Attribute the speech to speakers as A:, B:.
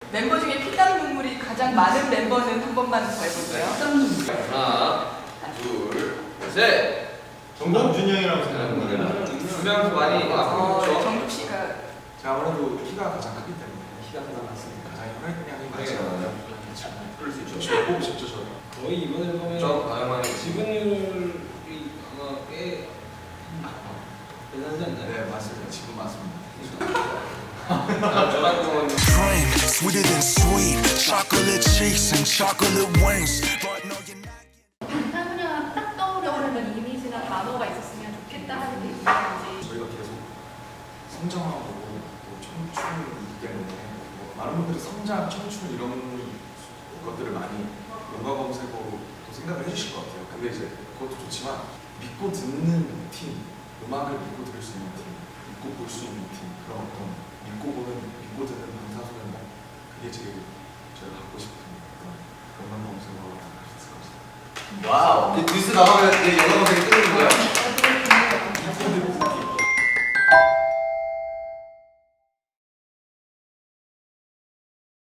A: 멤버 중에 피땀 눈물이 가장 많은 멤버는 한 번만 더 해볼게요.
B: 하나, 둘, 셋.
C: 정준이 형이라고 생각합니다.
B: 두 명도 많이 그렇죠.
A: 정국 씨가
D: 제가 아무래도 키가 가장 크기 때문에
B: 키가 가장 많습니다.
D: 가장 혈액량이
B: 네,
D: 많잖아요.
B: 그럴 수 있죠.
D: 저 뽑고 싶죠 저는.
E: 거의 이번 앨범에
B: 좀 다양한
E: 지분율이 아마 꽤 대단하지 않나요?
D: 네 맞습니다. 지금 맞습니다.
B: 저 같은 경우는
F: Cream, sweeter than sweet. Chocolate cheeks and chocolate wings. But no, you're not.
G: 방탄소년단 딱 떠오르는 이미지나 단어가 있었으면 좋겠다 하는 게 있는지.
D: 저희가 계속 성장하고 또 청춘이기 때문에 뭐 많은 분들이 성장, 청춘 이런 것들을 많이 용가 검색어로 또 생각을 해주실 것 같아요. 근데 이제 그것도 좋지만 믿고 듣는 팀, 음악을 믿고 들을 수 있는 팀, 믿고 볼 수 있는 팀, 그런 어떤 믿고 보는, 믿고 듣는 방탄소년단 그게 제일 저희가 갖고 싶은 그런 음악 검색어가 될 수 있을 것 같습니다.
B: 와우. 뉴스 나가면 내 영어 검색이 뜨는